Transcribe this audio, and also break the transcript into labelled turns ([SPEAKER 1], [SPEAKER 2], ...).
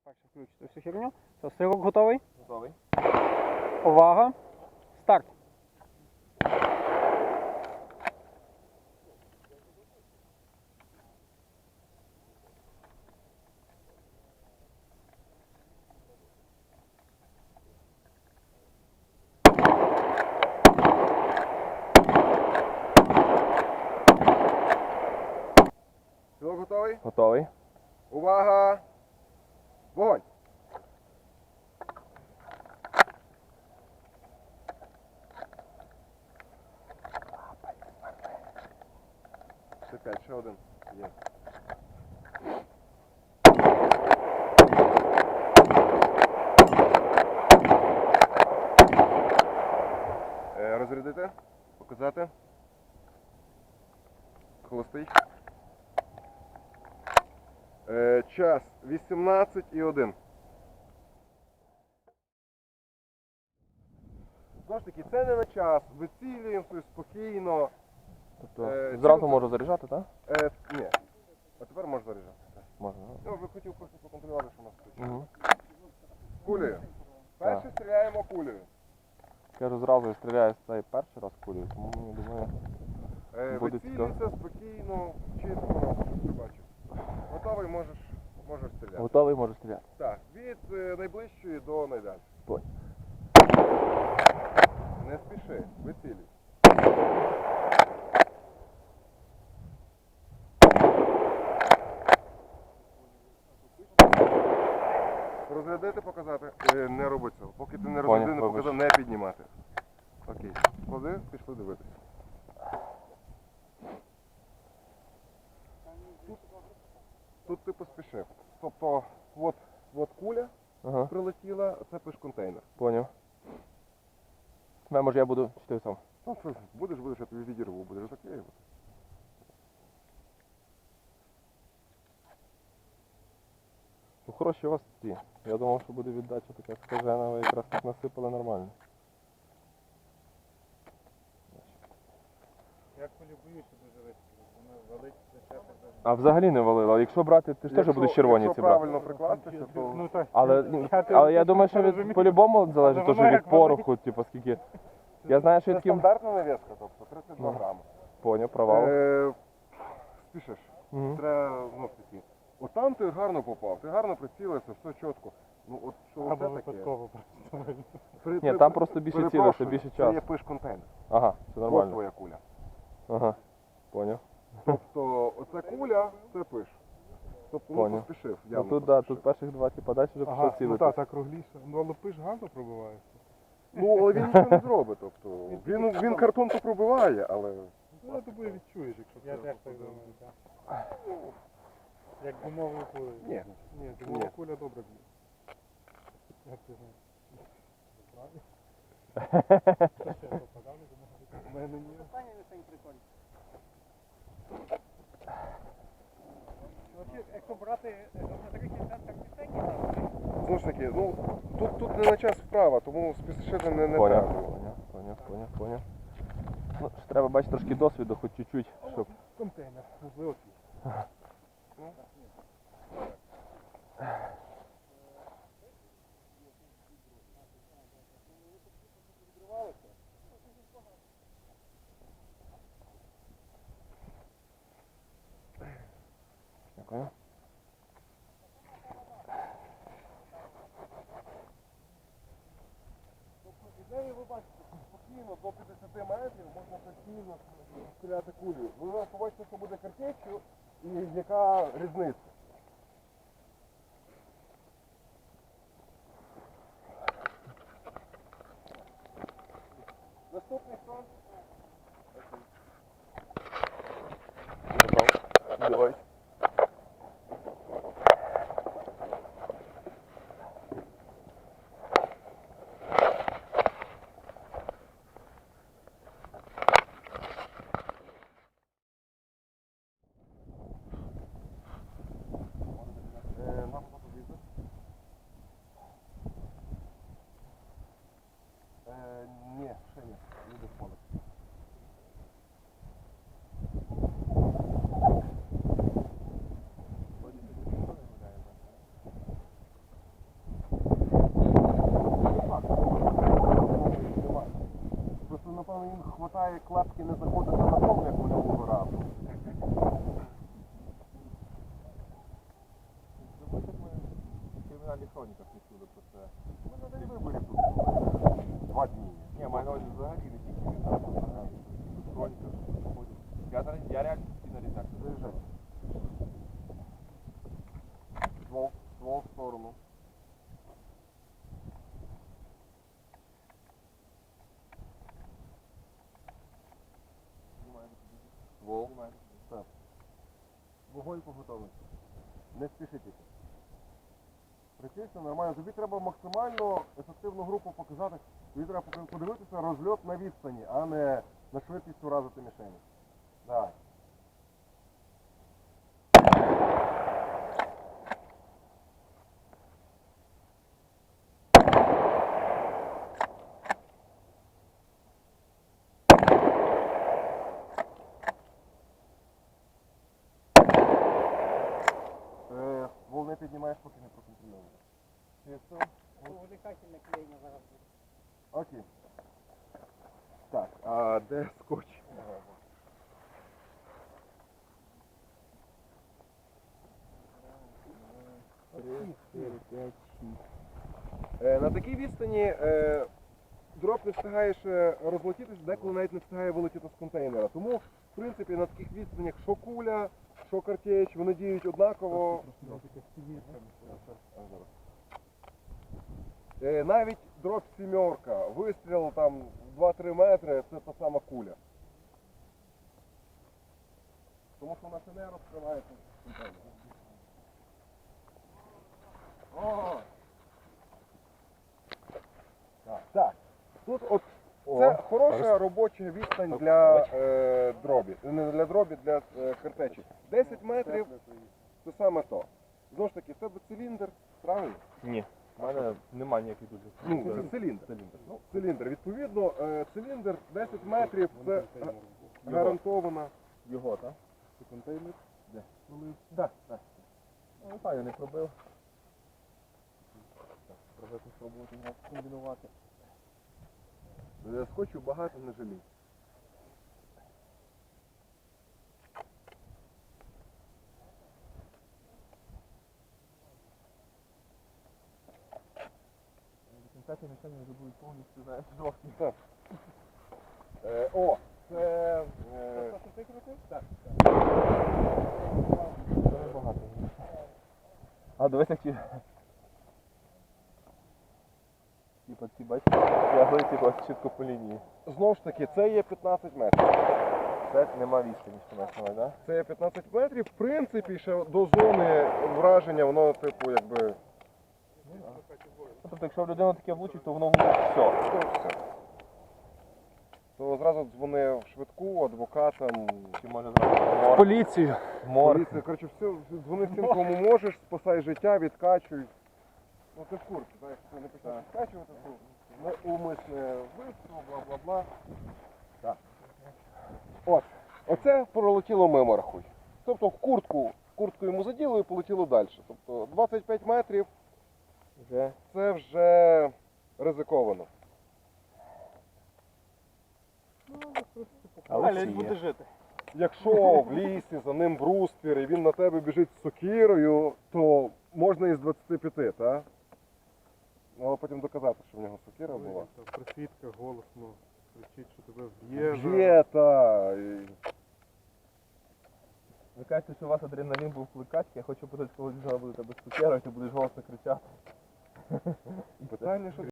[SPEAKER 1] перше включити всю херню. Все, сирок готовий?
[SPEAKER 2] Готовий.
[SPEAKER 1] Увага. Старт.
[SPEAKER 2] Сирок готовий?
[SPEAKER 3] Готовий.
[SPEAKER 2] Увага! Вогонь! Ще 5, ще один. Є. Розрядити, показати. Холостий. Час 18:01. Знову ж таки, це не на час. Вицілюємо спокійно.
[SPEAKER 3] Тобто зразу можу заряджати, так?
[SPEAKER 2] Ні. А тепер можна заряджати.
[SPEAKER 3] Можна.
[SPEAKER 2] Ну, ви хотів просто поконтролювати, що у нас тут.
[SPEAKER 3] Угу.
[SPEAKER 2] Кулею. Перше стріляємо кулею.
[SPEAKER 3] Кажу, зразу я стріляю з цієї перший раз кулею, тому я думаю, буде
[SPEAKER 2] Вицілюйся спокійно, чітко, щоб ти бачив. Готовий, можеш стріляти.
[SPEAKER 3] готовий, можу стріляти.
[SPEAKER 2] Так, від найближчої до найдальшої.
[SPEAKER 3] Понял.
[SPEAKER 2] Не спіши, вицілюй. Розрядити, показати. Не роби цього. Поки ти не розрядив, не показав, не піднімати. Окей. Клади, пішли дивитися. Тут ти поспішив. Тобто, от куля
[SPEAKER 3] Ага.
[SPEAKER 2] прилетіла, це пиш-контейнер.
[SPEAKER 3] Поняв. Може я буду чити сам.
[SPEAKER 2] Ну, що, будеш, я тобі відірву, будеш заклеювати.
[SPEAKER 3] Ну хороші у вас ці. Я думав, що буде віддача така скажена, ви якраз так насипали нормально.
[SPEAKER 4] Я кулю боюся дуже вистрілити, вона валить зачаток.
[SPEAKER 3] А взагалі не валило. А якщо брати, ти ж теж будеш червоні ці
[SPEAKER 2] Якщо
[SPEAKER 3] брати.
[SPEAKER 2] правильно прикластися, то...
[SPEAKER 4] Ну так,
[SPEAKER 3] Але я думаю, що від по-любому залежить
[SPEAKER 4] Але
[SPEAKER 3] теж
[SPEAKER 4] воно
[SPEAKER 3] від
[SPEAKER 4] як валить.
[SPEAKER 3] пороху, типу скільки. Я знаю, що
[SPEAKER 2] Це
[SPEAKER 3] таким...
[SPEAKER 2] стандартна навіска, тобто 32
[SPEAKER 3] Ну.
[SPEAKER 2] грами.
[SPEAKER 3] Поняв, провал.
[SPEAKER 2] Спішиш.
[SPEAKER 3] Угу.
[SPEAKER 2] Треба, ну, такі. От там ти гарно попав, ти гарно прицілився, все чітко. Ну от що
[SPEAKER 4] або
[SPEAKER 2] оце таке?
[SPEAKER 4] випадково просто.
[SPEAKER 3] Ні, там просто більше
[SPEAKER 2] Перепрошую,
[SPEAKER 3] цілиш, більше
[SPEAKER 2] Це
[SPEAKER 3] часу.
[SPEAKER 2] є пиш-контейнер.
[SPEAKER 3] Ага, все
[SPEAKER 2] Ось
[SPEAKER 3] нормально.
[SPEAKER 2] твоя куля.
[SPEAKER 3] Ага, поняв.
[SPEAKER 2] Тобто оця куля, це пиш. Тобто
[SPEAKER 3] Поняв.
[SPEAKER 2] поспішив.
[SPEAKER 3] Ну
[SPEAKER 2] явно
[SPEAKER 3] тут, да,
[SPEAKER 2] поспішив.
[SPEAKER 3] тут перших два, типа, далі вже
[SPEAKER 4] Ага,
[SPEAKER 3] пішов
[SPEAKER 4] ну
[SPEAKER 3] цілити.
[SPEAKER 4] так кругліше. Ну але пиш гарно пробивається.
[SPEAKER 2] Ну, але він нічого не зробить. Тобто, він картон то пробиває, але...
[SPEAKER 4] Ну я думаю відчуєш, якщо це. Я теж так думаю, так. Як гумовою кулею.
[SPEAKER 2] Ні.
[SPEAKER 4] Ні, гумова куля добре б'є. Як ти знаєш? Ще попадав, у мене ні.
[SPEAKER 1] Останній лишень прикольний. Якщо брати електричний центр містечки,
[SPEAKER 2] Знову ж таки, ну, тут не на час вправа, тому спішити не треба.
[SPEAKER 3] Поняв. Ну, ж треба бачити трошки досвіду, хоч чуть-чуть, щоб...
[SPEAKER 4] Контейнер, можливо твій.
[SPEAKER 3] Дякую.
[SPEAKER 2] Ідею ви бачите, спокійно до 50 метрів можна постійно стріляти кулею. Ви побачите, що буде картечю і яка різниця. Наступний хто?
[SPEAKER 3] Давай.
[SPEAKER 2] має клапки не заходити на пол, як минулого разу.
[SPEAKER 3] В кримінальних хроніках не чули про це.
[SPEAKER 2] Ми на день виборів тут були. 2 дні.
[SPEAKER 3] Ні, маю на увазі взагалі не тільки від нас, взагалі. В хроніках заходять. Я реально постійно різняк.
[SPEAKER 2] Заїжджай. Ствол в сторону. Ствол. Так. Вогонь по готовності. Не спішіть. Прикинься, нормально. Тобі треба максимально ефективну групу показати. Тобі треба подивитися розльот на відстані, а не на швидкість уразити мішені. Так. Ствол не піднімаєш, поки не проконтрольовуєш. Чисто.
[SPEAKER 1] Увлекательне клеєння зараз буде.
[SPEAKER 2] Окей. Так, а де скотч? На такій відстані дроп не встигає ще розлетітися, деколи навіть не встигає вилетіти з контейнера. Тому, в принципі, на таких відстанях що куля, що картеч, вони діють однаково. Навіть дроп сімерка, вистріл там 2-3 метри, це та сама куля. Тому що вона ще не розкривається. О! Так. Тут от це хороша робоча відстань для дробі. Не для дробі, для картечі. 10 метрів це саме то. Знову ж таки, в тебе циліндр, правильно?
[SPEAKER 3] Ні. У мене немає ніяких дуже.
[SPEAKER 2] Ну, це циліндр. Ну, циліндр. Відповідно, циліндр 10 метрів це гарантована.
[SPEAKER 3] Його, так?
[SPEAKER 2] Це контейнер?
[SPEAKER 3] Де?
[SPEAKER 2] Так, так.
[SPEAKER 3] Ну, так, я не пробив. Треба спробувати його комбінувати.
[SPEAKER 2] Скотчу багато не жалій.
[SPEAKER 3] Кінцяти мішені вже будуть повністю, знаєш, жовті.
[SPEAKER 2] Так. О, це... Так.
[SPEAKER 3] Це багато. А, дивись, як ті... Типа ці, бачиш, тягли, типа, чітко по лінії.
[SPEAKER 2] Знову ж таки, це є 15 метрів.
[SPEAKER 3] Це нема відстані, що маєш на увазі, так?
[SPEAKER 2] Це є 15 метрів. В принципі, ще до зони враження, воно, типу, якби...
[SPEAKER 3] Тобто, якщо в людину таке влучить, то воно влучить все.
[SPEAKER 2] То все. То зразу дзвонив швидку, адвокатам.
[SPEAKER 3] Чи може зразу
[SPEAKER 1] Поліцію.
[SPEAKER 3] мор.
[SPEAKER 2] Поліція, коротше, все, дзвони всім, кому можеш, спасай життя, відкачуй. Ну ти в курсі, так, якщо ти не почнеш відкачувати, то неумисне вбивство, бла-бла-бла. Так. От, оце пролетіло мимо, рахуй. Тобто в куртку йому заділо і полетіло далі. Тобто 25 метрів
[SPEAKER 3] Вже.
[SPEAKER 2] це вже ризиковано.
[SPEAKER 3] Але буде
[SPEAKER 1] жити.
[SPEAKER 2] Якщо в лісі за ним бруствір і він на тебе біжить з сокирою, то можна і з 25, так? Але потім доказати, що в нього сокира була.
[SPEAKER 4] Присвітка голосно кричить, що тебе вб'є.
[SPEAKER 2] Є, та.
[SPEAKER 3] Ви кажете, що у вас адреналін був кликачки, я хочу подати, коли зараз буде тебе з цукером, ти будеш голосно кричати.
[SPEAKER 2] Питання, що